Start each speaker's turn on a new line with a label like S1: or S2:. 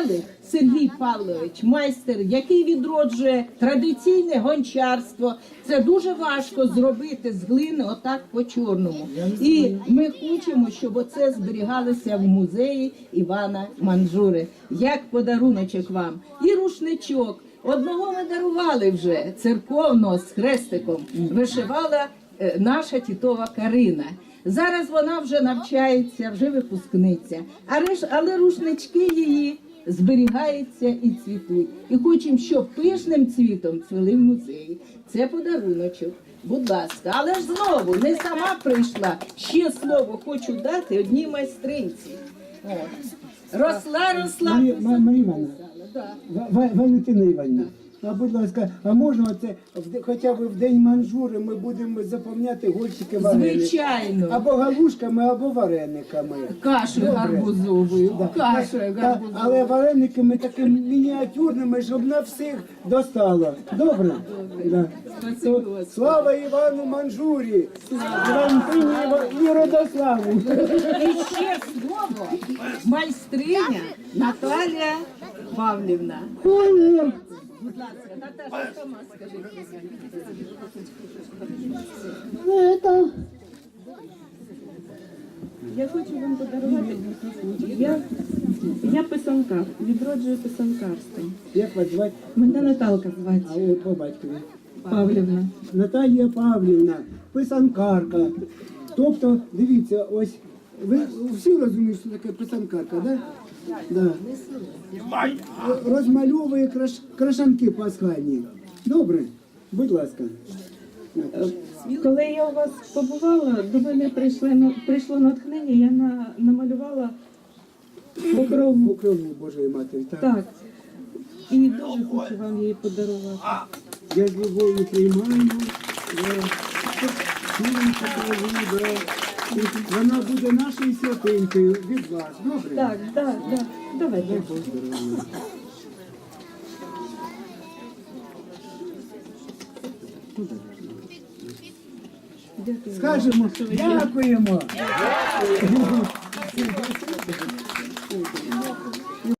S1: Келих Сергій Павлович, майстер, який відроджує традиційне гончарство. Це дуже важко зробити з глини отак по-чорному. І ми хочемо, щоб оце зберігалося в музеї Івана Манжури. Як подаруночок вам. І рушничок. Одного ми дарували вже, церковного, з хрестиком. Вишивала наша тітова Карина. Зараз вона вже навчається, вже випускниця. Але рушнички її зберігаються і цвітуть. І хочемо, щоб пишним цвітом цвіли в музеї. Це подаруночок. Будь ласка. Але ж знову, не сама прийшла. Ще слово хочу дати одній майстринці. Росла.
S2: Марія Івановна, Валентина Івановна, а будь ласка, а можна оце, хоча б в День Манжури ми будемо заповняти горщики вареники?
S1: Звичайно.
S2: Або галушками, або варениками.
S1: Кашею гарбузовою. Кашею гарбузовою.
S2: Але варениками такими мініатюрними, щоб на всіх достало. Добре? Да. Слава Івану Манжурі! Валентині і Родославу!
S1: І ще слово майстриня Наталія Павлівна. Будь ласка, Наташа, сама скажи.
S3: Я хочу вам подарувати. Я писанкар, відроджую писанкарство.
S2: Як вас звати?
S3: Мене Наталка звати.
S2: А от по батькові.
S3: Павлівна.
S2: Наталія Павлівна, писанкарка. Тобто, дивіться, ось, ви всі розумієте, що таке писанкарка, да? Да. Розмальовує крашанки пасхальні. Добре? Будь ласка.
S3: Коли я у вас побувала, до мене прийшло натхнення, я намалювала покрову.
S2: Покрову Божої Матері.
S3: Так. І дуже хочу вам її подарувати.
S2: Я з любов'ю приймаю. Вона буде нашою святинкою від вас. Добре?
S3: Так. Давайте.
S2: Скажемо, дякуємо.